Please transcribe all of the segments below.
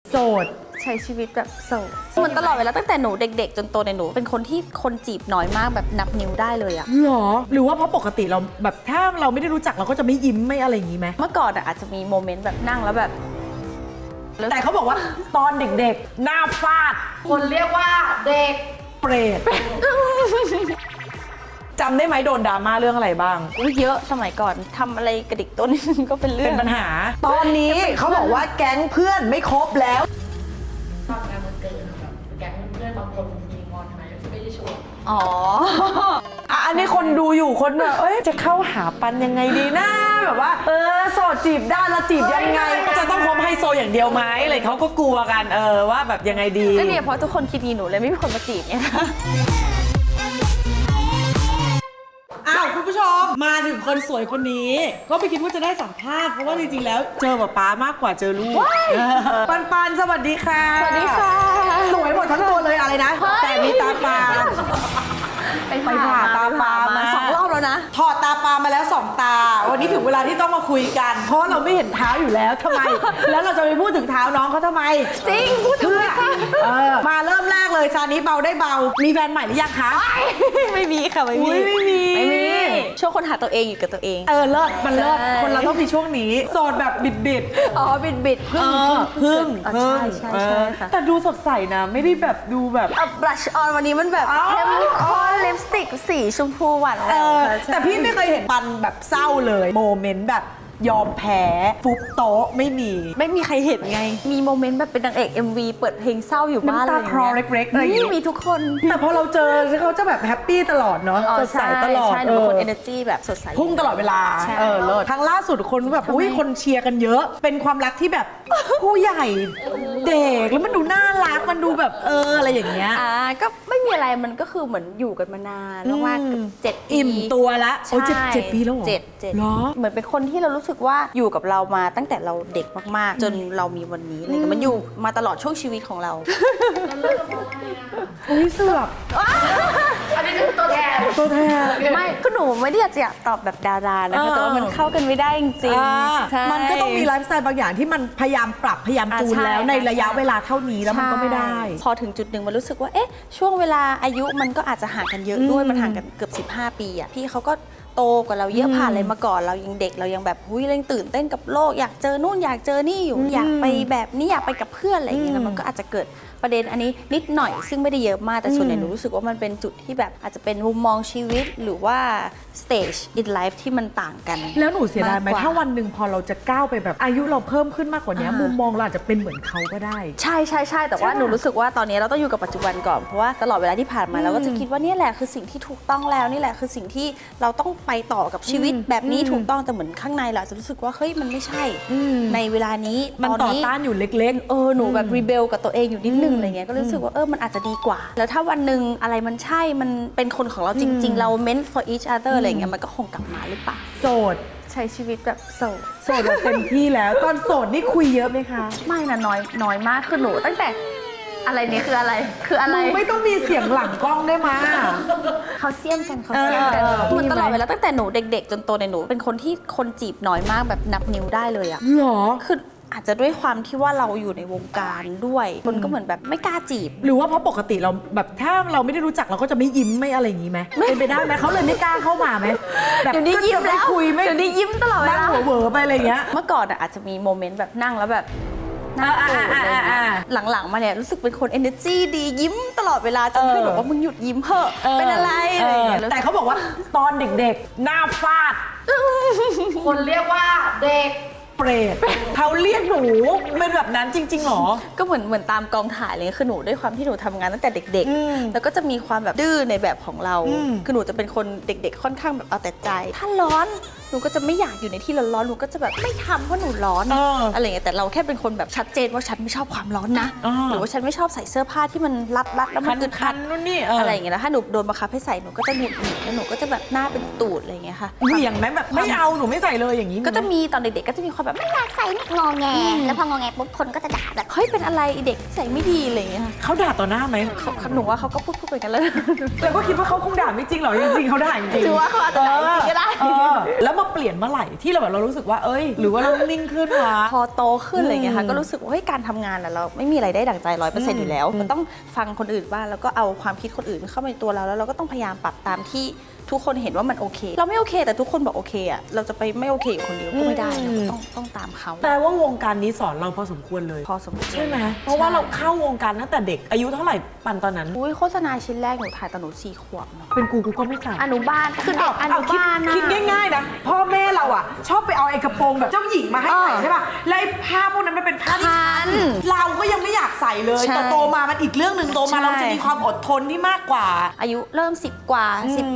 โสดใช้ชีวิตแบบโสดเหมือนตลอดเวลาตั้งแต่หนูเด็กๆจนโตในหนูเป็นคนที่คนจีบน้อยมากแบบนับนิ้วได้เลยอะหรอหรือว่าเพราะปกติเราแบบถ้าเราไม่ได้รู้จักเราก็จะไม่ยิ้มไม่อะไรอย่างนี้ไหมเมื่อก่อนอะอาจจะมีโมเมนต์แบบนั่งแล้วแบบแต่เขาบอกว่าตอนเด็กๆหน้าฟาดคนเรียกว่าเด็กเปรตจำได้ไหมโดนดราม่าเรื่องอะไรบ้างอุ๊ยเยอะสมัยก่อนทำอะไรกระดิกตัวนิดนึงก็เป็นเรื่อเป็งนปัญหา ตอนนี้เขาบอกว่าแก๊งเพื่อนไม่ครบแล้วตอนงานวันเกิดแบบแก๊งเพื่อนบางคนมีงอนทำไมไม่ได้ชวนอ๋ออันนี้คนดูอยู่คนแบบจะเข้าหาปันยังไงดีนะแบบว่าโสดจีบได้แล้วจีบยังไงก็จะต้องคบไฮโซอย่างเดียวไหมอะไรเขาก็กลัวกันว่าแบบยังไงดีก็เนี่ยเพราะทุกคนคิดงี้หนูเลยไม่มีคนมาจีบเนี่ยอ้าวคุณผู้ชมมาถึงคนสวยคนนี้ ก็ไม่คิดว่าจะได้สัมภาษณ์เพราะว่าจริงๆแล้วเจอแบบป๊ามากกว่าเจอลูกปันสวัสดีค่ะสวัสดีค่ะสวยหมดทั้งตัวเลยอะไรนะ แต่มีตาปลา ไปผ่าตาปลามา 2 รอบแล้วนะถอดตาปลามาแล้ว2 ตา วันนี้ถึงเวลาที่ต้องมาคุยกัน เพราะว่าเราไม่เห็นเท้าอยู่แล้วทำไม แล้วเราจะไปพูดถึงเท้าน้องเขาทำไมจริงพูดถึงเพื่อมาเริ่มแรกเลยซานี้เบาได้เบา มีแฟนใหม่หรือยังคะไม่มีค่ะไม่มีอุ๊ยไม่มีช่วงคนหาตัวเองอยู่กับตัวเองเลิศมันเลิศใช่คนเราต้องมีช่วงนี้ โสดแบบบิดอ๋อบิดพึ่งพึ่งใช่ค่ะแต่ดูสดใสนะ ไม่ได้แบบดูแบบบลัชออนวันนี้มันแบบอ๋อเข้มข้นลิปสติกสีชมพูหวานแหววค่ะใช่แต่พี่ไม่เคยเห็นปันแบบเศร้าเลย โมเมนต์แบบยอมแพ้ฟุบโต๊ะไม่มีไม่มีใครเห็นไง มีโมเมนต์แบบเป็นนางเอก MV เปิดเพลงเศร้าอยู่บ้านน้ำตาคลอเล็กๆอะไรอย่างเงี้ยนี่มีทุกคนแต่พอเราเจอเขาจะแบบแฮปปี้ตลอดเนาะสดใสตลอดใช่หนูเป็นคน energy แบบสดใสพุ่งตลอดเวลาใช่เลิศครั้งล่าสุดคนแบบอุ้ยคนเชียร์กันเยอะ เป็นความรักที่แบบผู้ใหญ่เด็กแล้วมันดูน่ารักมันดูแบบอะไรอย่างเงี้ยก็ไม่มีอะไรมันก็คือเหมือนอยู่กันมานานมากๆเจ็ดปีอิ่มตัวละโอ้ยใช่เจ็ดปีแล้วเหรอเจ็ดเหรอเหมือนเป็นคนที่เรารู้สึกว่าอยู่กับเรามาตั้งแต่เราเด็กมากๆ จนเรามีวันนี้อะไรเงี้ยมันอยู่มาตลอดช่วงชีวิตของเราอุ้ยเสือกอันนี้คือตัวแทนตัวแทนไม่ก็หนูไม่ได้อยากตอบแบบดารานะคะแต่ว่ามันเข้ากันไม่ได้จริงๆใช่มันก็ต้องมีไลฟ์สไตล์บางอย่างที่มันพยายามปรับพยายามจูนใช่แล้วในระยะเวลาเท่านี้แล้วมันก็ไม่ได้ใช่พอถึงจุดหนึ่งมันรู้สึกว่าเอ๊ะช่วงเวลาอายุมันก็อาจจะห่างกันเยอะด้วยมันห่างกันเกือบ15 ปีอ่ะพี่เขาก็โตกว่าเราเยอะผ่านอะไรมาก่อนเรายังเด็กเรายังแบบหุ้ยเรายังตื่นเต้นกับโลกอยากเจอนู่นอยากเจอนี่อยู่อยากไปแบบนี้อยากไปกับเพื่อนอะไรอย่างเงี้ยแล้วมันก็อาจจะเกิดประเด็นอันนี้นิดหน่อยซึ่งไม่ได้เยอะมากแต่ส่วนใหญ่หนูรู้สึกว่ามันเป็นจุดที่แบบอาจจะเป็นมุมมองชีวิตหรือว่า stage in life ที่มันต่างกันแล้วหนูเสียดายไหมมากกว่าถ้าวันหนึ่งพอเราจะก้าวไปแบบอายุเราเพิ่มขึ้นมากกว่านี้มุมมองเราอาจจะเป็นเหมือนเขาก็ได้ใช่แต่ว่าใช่ปะหนูรู้สึกว่าตอนนี้เราต้องอยู่กับปัจจุบันก่อนเพราะว่าตลอดเวลาที่ผ่านมาเราก็จะคิดว่านี่แหละคือสิ่งที่ถูกต้องแล้วนี่แหละคือสิ่งที่เราต้องไปต่อกับชีวิตแบบนี้ถูกต้องแต่เหมือนข้างในเราจะรู้สึกว่าเฮ้ยมันไม่ใช่ในเวลานี้มันตอนต่อนี้ต้านอยู่เล็กหนูแบบรีเบลกับตัวเองอยู่นิดนึงอะไรเงี้ยก็รู้สึกว่ามันอาจจะดีกว่า แล้วถ้าวันหนึ่งอะไรมันใช่มันเป็นคนของเราจริง ๆ เรา meant for each other อะไรเงี้ยมันก็คงกลับมาหรือเปล่าๆ โสดใช้ชีวิตแบบโสดโสดแบบเต็มที่แล้ว ตอนโสดนี่คุยเยอะไหมคะไม่นะน้อยมากคือหนูตั้งแต่อะไรเนี่ยคืออะไรไม่ต้องมีเสียงหลังกล้องได้มาเขาเสี่ยมกันเหมือนตลอดเวลาตั้งแต่หนูเด็กๆ จนโตในหนูเป็นคนที่คนจีบน้อยมากแบบนับนิ้วได้เลยอะหรอคืออาจจะด้วยความที่ว่าเราอยู่ในวงการด้วยคนก็เหมือนแบบไม่กล้าจีบหรือว่าเพราะปกติเราแบบถ้าเราไม่ได้รู้จักเราก็จะไม่ยิ้มไม่อะไรอย่างนี้ไหมเป็นไปได้ไหมเขาเลยไม่กล้าเข้ามาไหมแบบเดี๋ยวนี้ยิ้มแล้วก็จะไคุยไม่เดี๋ยวนี้ยิ้มตลอดเวนั่งลาหัวเหวอไปอะไรอย่างเงี้ยเมื่อก่อนอะอาจจะมีโมเมนต์แบบนั่งแล้วแบบนั่งโกรธอะไรอย่างเงี้ยหลังๆมาเนี่ยรู้สึกเป็นคน energy ดียิ้มตลอดเวลาจนเพื่อนบอกว่ามึงหยุดยิ้มเถอะเป็นอะไรอะไรอย่างเงี้ยแต่เขาบอกว่าตอนเด็กๆหน้าฟาดคนเรียกว่าเด็กเปรตเขาเรียกหนูเป็นแบบนั้นจริงๆหรอก็เหมือนตามกองถ่ายเลยคือหนูด้วยความที่หนูทำงานตั้งแต่เด็กๆ แล้วก็จะมีความแบบดื้อในแบบของเราคือหนูจะเป็นคนเด็กๆค่อนข้างแบบเอาแต่ใจ ถ้าร้อนหนูก็จะไม่อยากอยู่ในที่ร้อนๆหนูก็จะแบบไม่ทำเพราะหนูร้อนอะไรอย่างเงี้ยแต่เราแค่เป็นคนแบบชัดเจนว่าฉันไม่ชอบความร้อนนะหรือว่าฉันไม่ชอบใส่เสื้อผ้าที่มันรัดแล้วมันอึดอัดนู่นนี่อะไรอย่างเงี้ยแล้วถ้าหนูโดนบังคับให้ใส่หนูก็จะหงุดหงิดแล้วหนูก็จะแบบหน้าเป็นตูดอะไรอย่างเงี้ยค่ะเหวี่ยงไหมแบบไม่เอาหนูไม่ใส่เลยอย่างนี้ก็จะมีตอนเด็กๆก็จะมีความแบบไม่อยากใส่งอแง แล้วพองอแงปุ๊บคนก็จะด่าแบบเฮ้ยเป็นอะไรไอ้เด็กใส่ไม่ดีอะไรอย่างเงี้ยค่ะเขาด่าต่อหน้าไหมหนูว่าเขาก็พูดไปกันแล้วแล้วก็คิดว่าเขาคงด่าไม่จริงหรอกจริงๆเขาด่าจริงถือว่าเขาอาจจะด่าจริงก็ได้แล้วโมมาเปลี่ยนเมื่อไหร่ที่เราแบบเรารู้สึกว่าเอ้ยหรือว่าเรานิ่งขึ้นวะพอโตขึ้นอะไรเงี้ยค่ะก็รู้สึกว่าเฮ้ยการทำงานอะเราไม่มีอะไรได้ดั่งใจ 100% อยู่แล้วเราต้องฟังคนอื่นบ้างแล้วก็เอาความคิดคนอื่นเข้ามาในตัวเราแล้วเราก็ต้องพยายามปรับตามที่ทุกคนเห็นว่ามันโอเค เราไม่โอเคแต่ทุกคนบอกโอเคอะเราจะไปไม่โอเคอยู่คนเดียวก็ไม่ได้เราก็ต้องตามเขาแต่ว่าวงการนี้สอนเราพอสมควรเลยพอสมควรใช่ไหมเพราะว่าเราเข้าวงการตั้งแต่เด็กอายุเท่าไหร่ปันตอนนั้นอุ้ยโฆษณาชิ้นแรกหนูถ่ายตอนหนู4 ขวบเนาะเป็นกูก็ไม่ใส่อนุบาลคือเด็กอนุบาลนะคิดง่ายๆนะพ่อแม่เราอ่ะชอบไปเอาไอ้กระโปรงแบบเจ้าหญิงมาให้ใส่ใช่ป่ะแล้วไอ้ผ้าพวกนั้นมันเป็นผ้าที่คันเราก็ยังไม่อยากใส่เลยใช่แต่โตมามันอีกเรื่องหนึ่งโตมาใช่เราจะมีความอดทนที่มากกว่าอายุเริ่ม10 กว่า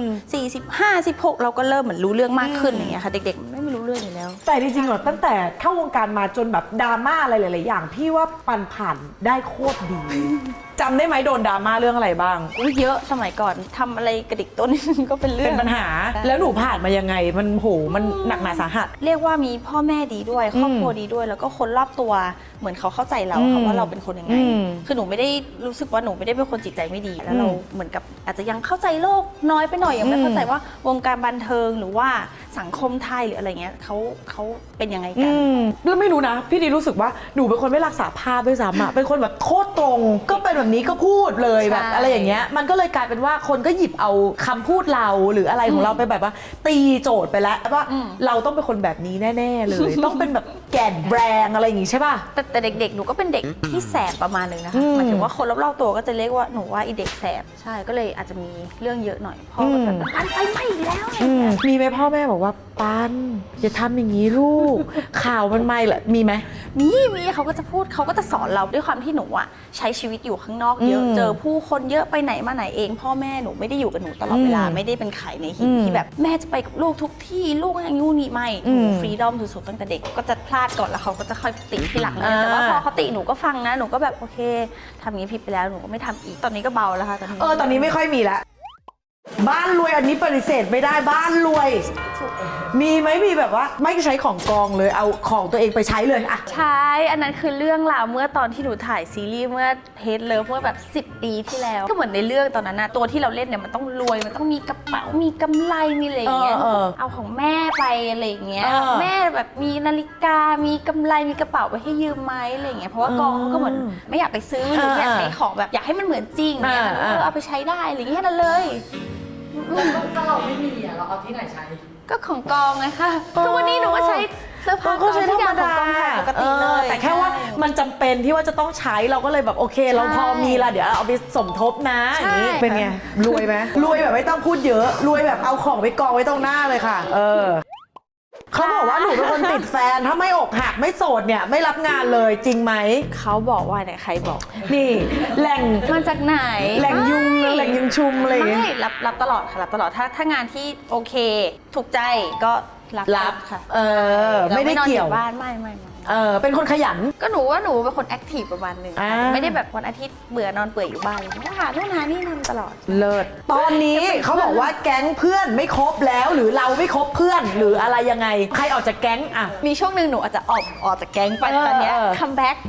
14 15 16เราก็เริ่มเหมือนรู้เรื่องมากขึ้นอย่างเงี้ยค่ะเด็กๆมันไม่รู้เรื่องอยู่แล้วแต่จริงๆเหรอตั้งแต่เข้าวงการมาจนแบบดราม่าอะไรหลายๆอย่างพี่ว่าปันผ่านได้โคตรดีจำได้ไหมโดนดราม่าเรื่องอะไรบ้างอุ๊ยเยอะสมัยก่อนทำอะไรกระดิกต้น ก็เป็นเรื่อเป็งนปัญหาใช่แล้วหนูผ่านมายังไงมันโหมันหนักหนาสาหัสเรียกว่ามีพ่อแม่ดีด้วยครอบครัวดีด้วย แล้วก็คนรอบตัวเหมือนเขาเข้าใจเราค่ะว่าเราเป็นคนยังไง คือหนูไม่ได้รู้สึกว่าหนูไม่ได้เป็นคนจิตใจไม่ดีแล้วเราเหมือนกับอาจจะยังเข้าใจโลกน้อยไปหน่อยยังไม่เข้าใจว่าวงการบันเทิงหรือว่าสังคมไทยหรืออะไรเงี้ยเขาเป็นยังไงกันแล้วไม่รู้นะ พี่ดีรู้สึกว่าหนูเป็นคนไม่รักษาภาพด้วยซ้ำอะเป็นคนแบบโคตรตรง ก็เป็นแบบนี้ก็พูดเลยแบบใช่อะไรอย่างเงี้ยมันก็เลยกลายเป็นว่าคนก็หยิบเอาคำพูดเราหรืออะไรของเราไปแบบว่า ตีโจทย์ไปแล้วว่าเราต้องเป็นคนแบบนี้แน่ๆเลย ต้องเป็นแบบแก่นแบรงอะไรอย่างงี้ใช่ป่ะแต่เด็กๆ หนูก็เป็นเด็กที่แสบประมาณนึงนะคะหมายถึงว่าคนรอบๆตัวก็จะเรียกว่าหนูว่าอีเด็กแสบใช่ก็เลยอาจจะมีเรื่องเยอะหน่อยพ่อก็จะแบบปันไฟไหม้อีกแล้วอะไรอย่างเงี้ยมีไหมพ่อแม่บอกว่าปันอย่าทำอย่างนี้ลูก ข่าวมันไม่เหรอมีไหมมีเขาก็จะพูดเขาก็จะสอนเราด้วยความที่หนูอะใช้ชีวิตอยู่ข้างนอกเยอะเจอผู้คนเยอะไปไหนมาไหนเอง พ่อแม่หนูไม่ได้อยู่กับหนูตลอดเวลาไม่ได้เป็นไข่ในหินที่แบบแม่จะไปกับลูกทุกที่ลูกอย่างงูนี่ไม่หนูฟรีดอมสุดๆตั้งแต่เด็กก็จะพลาดก่อนแล้วเขาก็จะค่อยติทีหลังนะแต่ว่าพอเขาติหนูก็ฟังนะหนูก็แบบโอเคทำอย่างนี้ผิดไปแล้วหนูก็ไม่ทำอีกตอนนี้ก็เบาแล้วค่ะตอนนี้ตอนนี้ไม่ค่อยมีแล้วบ้านรวยอันนี้ปฏิเสธไม่ได้บ้านรวย มีไหมมีแบบว่าไม่ใช้ของกองเลยเอาของตัวเองไปใช้เลยอะใช่ อันนั้นคือเรื่องราวเมื่อตอนที่หนูถ่ายซีรีส์เมื่อเฮดเลิฟเมื่อแบบ10 ปีที่แล้ว ก็เหมือนในเรื่องตอนนั้นนะตัวที่เราเล่นเนี่ยมันต้องรวยมันต้องมีกระเป๋ามีกำไรมีอะไรอย่างเงี้ยเอาของแม่ไปอะไรอย่างเงี้ยแม่แบบมีนาฬิกามีกำไรมีกระเป๋าไปให้ยืมไหมอะไรอย่างเงี้ยเพราะว่ากองเขาก็เหมือนไม่อยากไปซื้อหรืออยากใช้ของแบบอยากให้มันเหมือนจริงเนี่ยเอาไปใช้ได้อะไรอย่างเงี้ยนั่นเลยถ้าเราไม่มีอ่ะเราเอาที่ไหนใช้ก็ของกองไงคะทุกวันนี้หนูก็ใช้เสื้อผ้ากองทุกอย่างของกองถ่ายปกติเลยแต่แค่ว่ามันจำเป็นที่ว่าจะต้องใช้เราก็เลยแบบโอเค เราพอมีละเดี๋ยวเอาไปสมทบนะอย่างนี้เป็นไงรวยไหมรวยแบบไม่ต้องพูดเยอะรวยแบบเอาของไปกองไว้ตรงหน้าเลยค่ะเขาบอกว่าหนูเป็นคนติดแฟนถ้าไม่อกหักไม่โสดเนี่ยไม่รับงานเลยจริงไหมเขาบอกว่าเนี่ยใครบอกนี่แหล่งมาจากไหนแหล่งยุงแหล่งยุงชุมอะไรอย่างเงี้ยไม่รับตลอดค่ะรับตลอดถ้างานที่โอเคถูกใจก็รับค่ะไม่ได้เกี่ยวราไม่นอนอบ้านไม่เป็นคนขยันก็หนูว่าหนูเป็นคนแอคทีฟประมาณนึงค่ะไม่ได้แบบวันอาทิตย์เบื่อนอนเปื่อยอยู่บ้านเลยก็หาโน่นหานี่ทำตลอดเลิศตอนนี้เขาบอกว่าแก๊งเพื่อนไม่ครบแล้วหรือเราไม่ครบเพื่อนหรืออะไรยังไงใครออกจากแก๊งอะมีช่วงหนึ่งหนูอาจจะออกจากแก๊งไปตอนเนี้ยคัมแบ็ก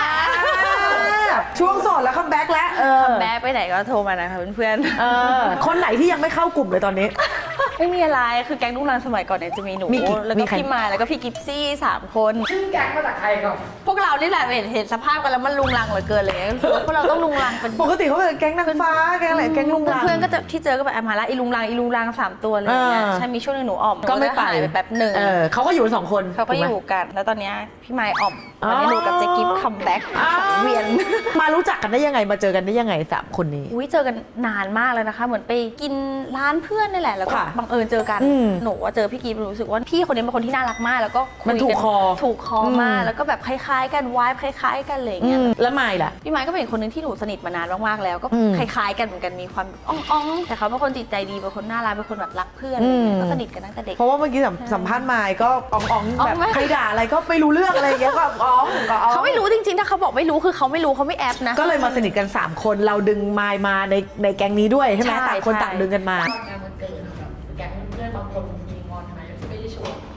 ช่วงโสดแล้วคัมแบ็กแล้วคัมแบ็กไปไหนก็โทรมานะคะเพื่อนๆคนไหนที่ยังไม่เข้ากลุ่มเลยตอนนี้ไม่มีอะไรคือแก๊งลูกรังสมัยก่อนเนี่ยจะมีหนู แล้วก็พี่มายแล้วก็พี่กิฟซี่3 คนชื่อแก๊งมาจากใครก่อนพวกเรานี่แหละเห็นสภาพกันแล้วมันลุงรังเหลือเกินเลยรู้สึกว่าพวกเราต้องลุงรังเป็นปกติเขาเป็นแก๊งนางฟ้าแก๊งอะไรแก๊งลุงลังเพื่อนก็จะที่เจอก็แบบมาละอีลุงรัง3 ตัวเลยเนี่ยใช่มีช่วงนึงหนูอ่อมก็ไม่ไปหายไปแบบหนึ่งเขาก็อยู่กัน2 คนเขาก็อยู่กันแล้วตอนเนี้ยพี่มายอ่อมตอนนี้หนูกับเจ๊กิฟคัมแบ็กสังเวียนมารู้จักกันได้ยังไงมาเจอกันได้ยังไง3 คนนี้อุ้ยเจอกันนานมากเลยนะคะ เหมือนไปกินร้านเพื่อนนี่แหละแล้วก็ค่ะบังเอิญเจอกันหนูว่าเจอพี่กิฟรู้สึกว่าพี่คนนี้เป็นคนที่น่ารักมากแล้วก็คุยมันถูกคอถูกคอมากแล้วก็แบบคล้ายๆกันวายคล้ายๆกันอะไรอย่างเงี้ยแล้วไม่ล่ะพี่ไม้ก็เป็นอีกคนนึงที่หนูสนิทมานานมากๆแล้วก็คล้ายๆกันเหมือนกันมีความอ่องๆแต่เขาเป็นคนจิตใจดีเป็นคนน่ารักเป็นคนแบบรักเพื่อนอะไรอย่างเงี้ยก็สนิทกันตั้งแต่เด็กเพราะว่าเมื่อกี้สัมภาษณ์มายก็อ่องๆแบบมากใครด่าอะไรก็ไม่รู้เรื่องอะไรอย่างเงี้ยก็อ่องก็อ่องเขาไม่รู้จริงๆถ้าเขาบอกไม่รู้คือเขาไม่รู้เขาไม่แอบนะก็เลยมาสนิทกัน3 คนเราดึงมายมาในแก๊งนี้ด้วยใช่ไหมใช่ต่างคนใช่ต่างดึงกันมาตอนงานมันเกิดแบบแก๊งเพื่อนบางคนมีงอนทำไมไม่ได้ชวน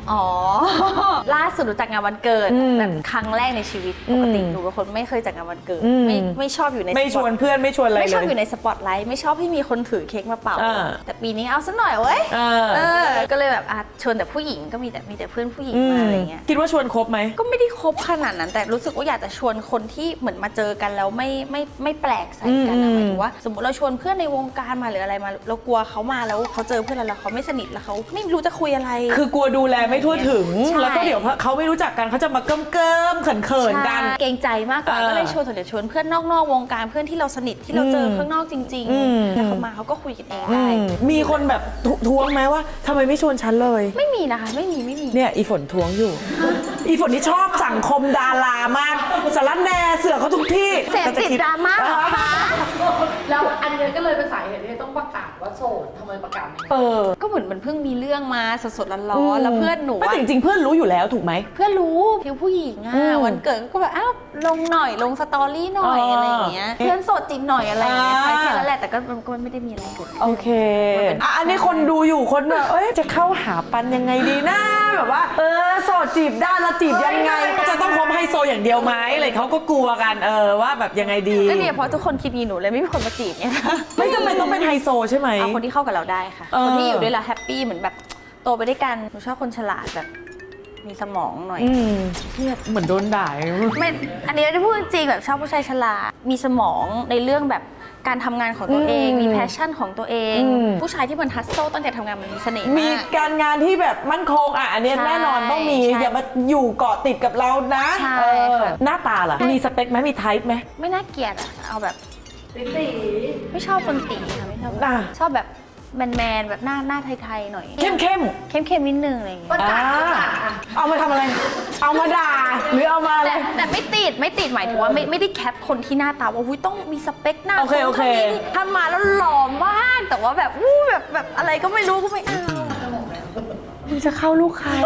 อ๋อ ล่าสุดรู้จักงานวันเกิดแบบครั้งแรกในชีวิตปกติหนูเป็นคนไม่เคยจัดงานวันเกิดไม่ชอบอยู่ในไม่ชวนเพื่อนไม่ชวนอะไรเลยไม่ชอบอยู่ในสปอตไลท์ไม่ชอบให้มีคนถือเค้กมาเป่าแต่ปีนี้เอาซะหน่อยเว้ยก็เลยแบบชวนแต่ผู้หญิงก็มีแต่เพื่อนผู้หญิงมาอะไรเงี้ยคิดว่าชวนครบไหมก็ไม่ได้ครบขนาดนั้นแต่รู้สึกว่าอยากจะชวนคนที่เหมือนมาเจอกันแล้วไม่แปลกใส่กันนะหมายถึงว่าสมมติเราชวนเพื่อนในวงการมาหรืออะไรมาเรากลัวเขามาแล้วเขาเจอเพื่อนเราแล้วเขาไม่สนิทแล้วเขาไม่รู้จะคุยอะไรคือกลัวดูแลไม่ทั่วถึงแล้วก็เดี๋ยวเขาไม่รู้จักกันเขาจะมาเกิ้มเขินกันเกรงใจมากกว่าก็เลยชวนเพื่อนนอกวงการเพื่อนที่เราสนิทที่เราเจอข้างนอกจริงๆแล้วเขามาเขาก็คุยกันเองได้มีคนแบบท้วงไหมว่าทำไมไม่ชวนฉันเลยไม่มีนะคะไม่มีเนี่ยอีฝนท้วงอยู่ อีฝนนี่ชอบสังคมดารามากสารแหน่เสือเขาทุกที่เสพติดดราม่าเหรอคะแล้วอันนี้ก็เลยเป็นสาเหตุที่ต้องประกาศว่าโสดทำไมประกาศก็เหมือนมันเพิ่งมีเรื่องมาสดๆร้อนๆแล้วเพื่อนหนูจริงๆเพื่อนรู้อยู่แล้วถูกไหมเพื่อนรู้ผิวผู้หญิงวันเกิดก็แบบลงหน่อยลงสตอรี่หน่อยอะไรอย่างเงี้ยเพื่อนโสดจริงหน่อยอะไรอย่างเงี้ยแค่นั้นแหละแต่ก็ไม่ได้มีอะไรเกิดโอเคอันนี้คนดูอยู่คนแบบจะเข้าหาปันยังไงดีนะแบบว่าโสดจีบได้แล้วจีบยังไงจะต้องคบไฮโซอย่างเดียวไหมอะไรเขาก็กลัวกันว่าแบบยังไงดีก็เนี่ยเพราะทุกคนคิดงี้หนูเลยไม่มีคนมาจีบเนี่ยไม่จำเป็นต้องเป็นไฮโซใช่ไหมเอาคนที่เข้ากับเราได้ค่ะคนที่อยู่ด้วยเราแฮปปี้เหมือนแบบโตไปด้วยกันหนูชอบคนฉลาดแบบมีสมองหน่อยเนี่ยเหมือนโดนด่าไม่อันนี้ได้พูดจริงแบบชอบผู้ชายฉลาดมีสมองในเรื่องแบบการทำงานของตัวเองมีแพชชั่นของตัวเองผู้ชายที่มันฮัสโซตั้งแต่ทำงานมันมีเสน่ห์มีการงานที่แบบมั่นคงอันนี้แน่นอนต้องมีอย่ามาอยู่เกาะติดกับเรานะหน้าตาล่ะมีสเปคไหมมีไทป์ไหมไม่น่าเกลียดเอาแบบตีไม่ชอบคนตีค่ะไม่ชอบชอบแบบแมนแบบหน้าไทยๆหน่อยเข้มนิดนึงอะไรอย่างเงี้ยเอามาทำอะไรเอามาด่าหรือเอามาอะไรแต่ไม่ติดหมายถึงว่าไม่ได้แคปคนที่หน้าตาว่าต้องมีสเปคหน้าคนนี้ทำมาแล้วหล่อมากแต่ว่าแบบแบบอะไรก็ไม่รู้ก็ไม่เอามึงจะเข้าลูกใคร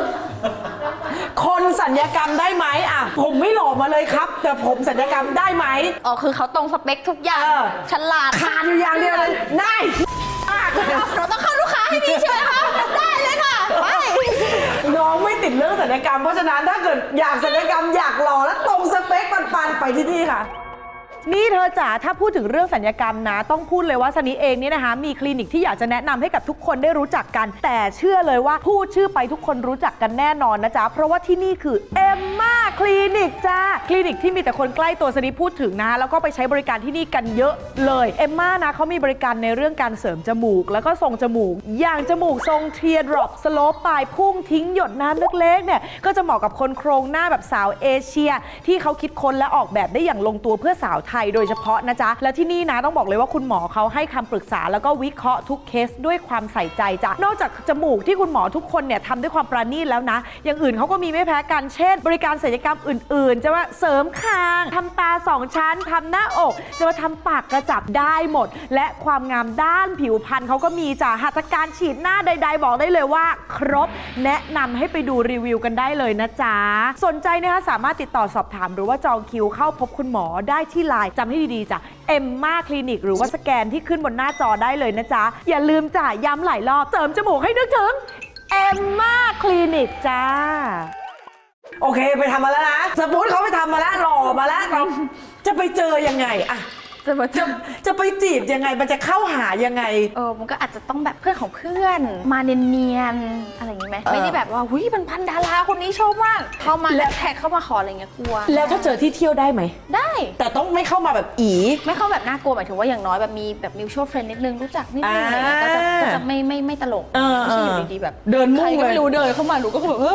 คนสัญญกรรมได้ไหมผมไม่หล่อมาเลยครับแต่ผมสัญญกรรมได้ไหมคือเขาตรงสเปคทุกอย่างฉลาดขาดอยู่อย่างเดียวเลยได้เราต้องเข้าลูกค้าให้พี่ใช่ไหมคะได้เลยค่ะไปน้องไม่ติดเรื่องสัญญกรรมเพราะฉะนั้นถ้าเกิดอยากสัญญกรรมอยากหล่อและตรงสเปคปันไปที่นี่ค่ะนี่เธอจ๋าถ้าพูดถึงเรื่องสัญญกรรมนะต้องพูดเลยว่าซันนี่เองเนี่ยนะคะมีคลินิกที่อยากจะแนะนำให้กับทุกคนได้รู้จักกันแต่เชื่อเลยว่าพูดชื่อไปทุกคนรู้จักกันแน่นอนนะจ๊ะเพราะว่าที่นี่คือเอมม่าคลินิกจ้าคลินิกที่มีแต่คนใกล้ตัวซันนี่พูดถึงนะแล้วก็ไปใช้บริการที่นี่กันเยอะเลยเอมม่านะเขามีบริการในเรื่องการเสริมจมูกแล้วก็ทรงจมูกอย่างจมูกทรงเทียร์ดรอปสโลปปลายพุ่งทิ้งหยดน้ำเล็กๆเนี่ยก็จะเหมาะกับคนโครงหน้าแบบสาวเอเชียที่เขาคิดค้นและออกแบบได้อย่างลงตัวเพื่อสาวไทยโดยเฉพาะนะจ๊ะและที่นี่นะต้องบอกเลยว่าคุณหมอเขาให้คำปรึกษาแล้วก็วิเคราะห์ทุกเคสด้วยความใส่ใจจ้ะนอกจากจมูกที่คุณหมอทุกคนเนี่ยทำด้วยความประณีตแล้วนะอย่างอื่นเขาก็มีไม่แพ้กันเช่นบริการศัลยกรรมอื่นๆจะว่าเสริมคางทำตา2ชั้นทำหน้าอกจะมาทำปากกระจับได้หมดและความงามด้านผิวพรรณเขาก็มีจ้ะหัตถการฉีดหน้าใดๆบอกได้เลยว่าครบแนะนำให้ไปดูรีวิวกันได้เลยนะจ๊ะสนใจนะคะสามารถติดต่อสอบถามหรือว่าจองคิวเข้าพบคุณหมอได้ที่ไลน์จำให้ดีๆจ้ะเอมม่าคลินิกหรือว่าสแกนที่ขึ้นบนหน้าจอได้เลยนะจ๊ะอย่าลืมจ้ะย้ำหลายรอบเสริมจมูกให้นึกถึงเอมม่าคลินิกจ้าโอเคไปทำมาแล้วนะสมมติเขาไปทำมาแล้วหล่อมาแล้วเราจะไปเจอยังไงอะจะไปจีบยังไงมันจะเข้าหายังไงมันก็อาจจะต้องแบบเพื่อนของเพื่อนมาเนียนๆอะไรอย่างงี้ไหมไม่ได้แบบว่าหุยพันดาราคนนี้ชอบมากเข้ามาแล้วแท็กเข้ามาขออะไรเงี้ยกลัวแล้วถ้าเจอที่เที่ยวได้ไหมได้แต่ต้องไม่เข้ามาแบบไม่เข้าแบบน่ากลัวหมายถึงว่าอย่างน้อยแบบมีแบบมิวชวลเฟรนด์นิดนึงรู้จักนิดนึงอะไรเงี้ยก็จะไม่ตลกไม่ใช่อยู่ดีๆแบบเดินมุ่งเลยไม่รู้เดินเข้ามาหนูก็แบบ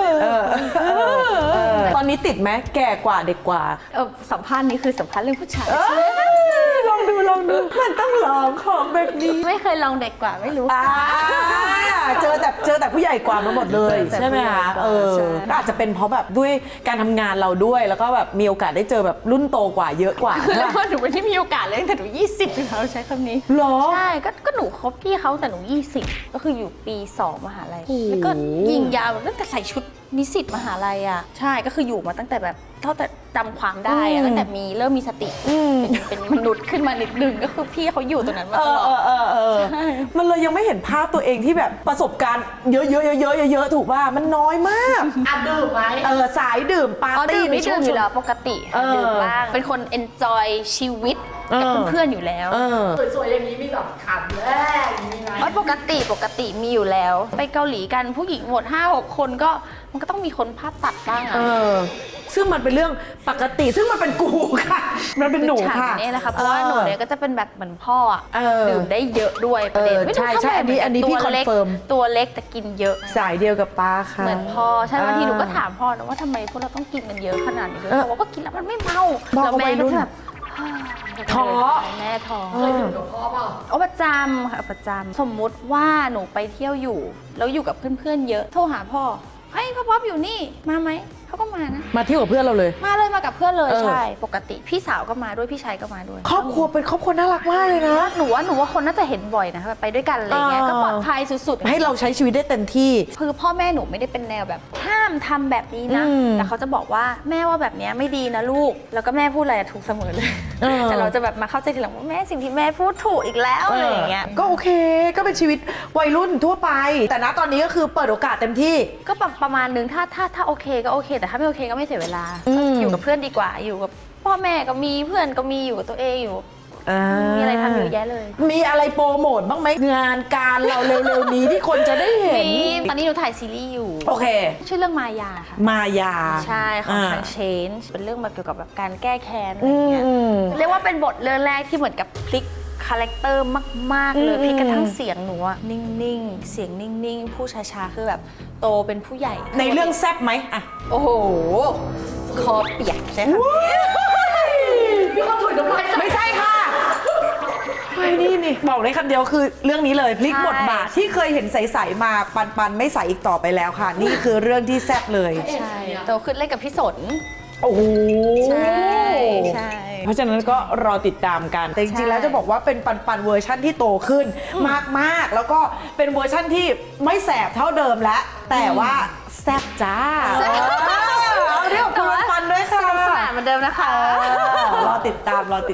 ตอนนี้ติดไหมแก่กว่าเด็กกว่าสัมภาษณ์นี้คือสัมภาษณ์เรื่องผู้ชายลองดูมันต้องลองของแบบนี้ไม่เคยลองเด็กกว่าไม่รู้เจอแต่ผู้ใหญ่กว่ามาหมดเลยใช่ไหมคะอาจจะเป็นเพราะแบบด้วยการทำงานเราด้วยแล้วก็แบบมีโอกาสได้เจอแบบรุ่นโตกว่าเยอะกว่าแล้วหนูไม่ได้มีโอกาสเลยตั้งแต่หนู20อยู่แล้วใช้คำนี้หรอใช่ก็หนูคบพี่เขาแต่หนู20ก็คืออยู่ปี2มหาลัยแล้วก็ยิงยาวตั้งแต่ใส่ชุดนิสิตมหาลัยอ่ะใช่ก็คืออยู่มาตั้งแต่แบบเท่าแต่จำความได้อะตั้งแต่เริ่มมีสติเป็นมนุษย์ขึ้นมานิดนึงก็คือพี่เขาอยู่ตรงนั้นมาตลอดมันเลยยังไม่เห็นภาพตัวเองที่แบบประสบการณ์เยอะๆถูกป่ะมันน้อยมากอ่ะดื่มไหมสายดื่มปาร์ตี้ไม่ดื่มอยู่แล้วปกติเออดื่มบ้างเป็นคน enjoy ชีวิตกับเพื่อนๆอยู่แล้วสวยๆอย่างนี้มีแบบขาดแรกอย่างนี้ไหมว่าปกติมีอยู่แล้ว ไปเกาหลีกันผู้หญิงหมด 5-6 คนก็มันก็ต้องมีคนภาพตัดบ้างอะซึ่งมันเป็นเรื่องปกติซึ่งมันเป็นกูค่ะ มันเป็นหนูค่ะนี่แหละค่ะเพราะว่าหนูเนี่ยก็จะเป็นแบบเหมือนพ่ออะ ดื่มได้เยอะด้วยประเด็นไม่รู้ใช่ทำไมอันนี้พี่ตัวเล็ก confirm ตัวเล็กแต่กินเยอะสายเดียวกับป้าค่ะเหมือนพ่อใช่บางทีหนูก็ถามพ่อนะว่าทำไมพวกเราต้องกินกันเยอะขนาดนี้ด้วยเขาบอกว่ากินแล้วมันไม่เมาพ่อแล้วก็แม่วัยรุ่ก็นจะแบบท้อแม่ท้อเคยดื่มกับพ่อเปล่าโอ้ประจำค่ะประจำสมมุติว่าหนูไปเที่ยวอยู่แล้วอยู่กับเพื่อนๆเยอะโทรหาพ่อเฮ้ยพ่อป๊อปอยู่นี่มาไหมเขาก็มานะมาเที่ยวกับเพื่อนเราเลยมาเลยมากับเพื่อนเลยเออใช่ปกติพี่สาวก็มาด้วยพี่ชายก็มาด้วยครอบครัวเป็นครอบครัวน่ารักมากเลยนะหนูว่าคนน่าจะเห็นบ่อยนะคะแบบไปด้วยกันอะไรเงี้ยก็ปลอดภัยสุดๆให้เราใช้ชีวิตได้เต็มที่คือพ่อแม่หนูไม่ได้เป็นแนวแบบห้ามทำแบบนี้นะ แต่เขาจะบอกว่าแม่ว่าแบบเนี้ยไม่ดีนะลูก แล้วก็แม่พูดอะไรถูกเสมอเลย แต่เราจะแบบมาเข้าใจทีหลังว่าแม่สิ่งที่แม่พูดถูกอีกแล้วอะไรอย่างเงี้ยก็โอเคก็เป็นชีวิตวัยรุ่นทั่วไป แต่ณตอนนี้ก็คือเปิดโอกาสเต็มที่ก็ประมาณนึงถ้าโอเคก็โอเค แต่ถ้าไม่โอเคก็ไม่เสียเวลาอืมอยู่กับเพื่อนดีกว่าอยู่กับพ่อแม่ก็มีเพื่อนก็มีอยู่กับตัวเองอยู่ มีอะไรทำเยอะแยะเลยมีอะไรโปรโมทบ้างไหมงานการเราเร็วๆนี้ที่คนจะได้เห็นตอนนี้หนูถ่ายซีรีส์อยู่โอเคชื่อเรื่องมายาค่ะมายาใช่ของทาง Change เป็นเรื่องแบบเกี่ยวกับแบบการแก้แค้นอะไรเงี้ย เรียกว่าเป็นบทเรื่องแรกที่เหมือนกับพลิกคาแรคเตอร์มาก ๆ เลยพลิกกระทั่งเสียงหนูอะนิ่ง ๆ เสียงนิ่ง ๆ ผู้ช้า ๆ คือแบบโตเป็นผู้ใหญ่ในเรื่องแซบไหมอะโอ้โห คอเปียกใช่ค่ะพี่เขาถุยน้ำลายใส่ไม่ใช่ค่ะไม่นี่บอกได้คำเดียวคือเรื่องนี้เลยพลิกบทบาทที่เคยเห็นใสๆมาปันไม่ใสอีกต่อไปแล้วค่ะ นี่คือเรื่องที่แซบเลยใช่โตขึ้นเล่นกับพี่สนโอ้โหใช่เพราะฉะนั้นก็รอติดตามกัน แต่จริงๆ แล้วจะบอกว่าเป็นปันเวอร์ชั่นที่โตขึ้นมากๆ แล้วก็เป็นเวอร์ชั่นที่ไม่แสบเท่าเดิมแล้ว แต่ว่าแซ่บจ้าเอาเรียกคุณปันด้วยค่ะสนุกสนานเหมือนเดิมนะคะรอติดตาม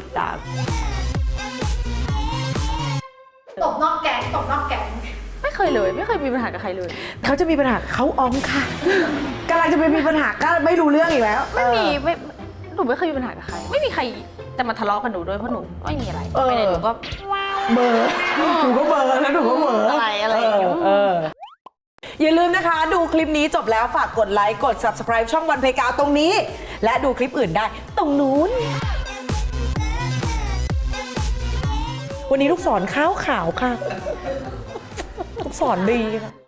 ตบนอกแก๊งตบนอกแก๊งไม่เคยเลย ไม่เคยมีปัญหากับใครเลยเขาจะมีปัญหาเขาอ้อมค่ะกำลังจะไปมีปัญหาก็ไม่รู้เรื่องอีกแล้วหนูไม่เคยมีปัญหากับใคร ไม่มีใครจะมาทะเลาะกับหนูด้วยเพราะหนูไม่มีอะไรเออไปไหนหนูก็เบอร์หนูก็เบอร์แล้วหนูก็เบอร์อะไรอย่างเงี้ยอย่าลืมนะคะ ดูคลิปนี้จบแล้วฝากกดไลค์กด subscribe ช่องวันเพกาตรงนี้ และดูคลิปอื่นได้ตรงนู้น วันนี้ลูกศรขาวค่ะ ลูกศรดีค่ะ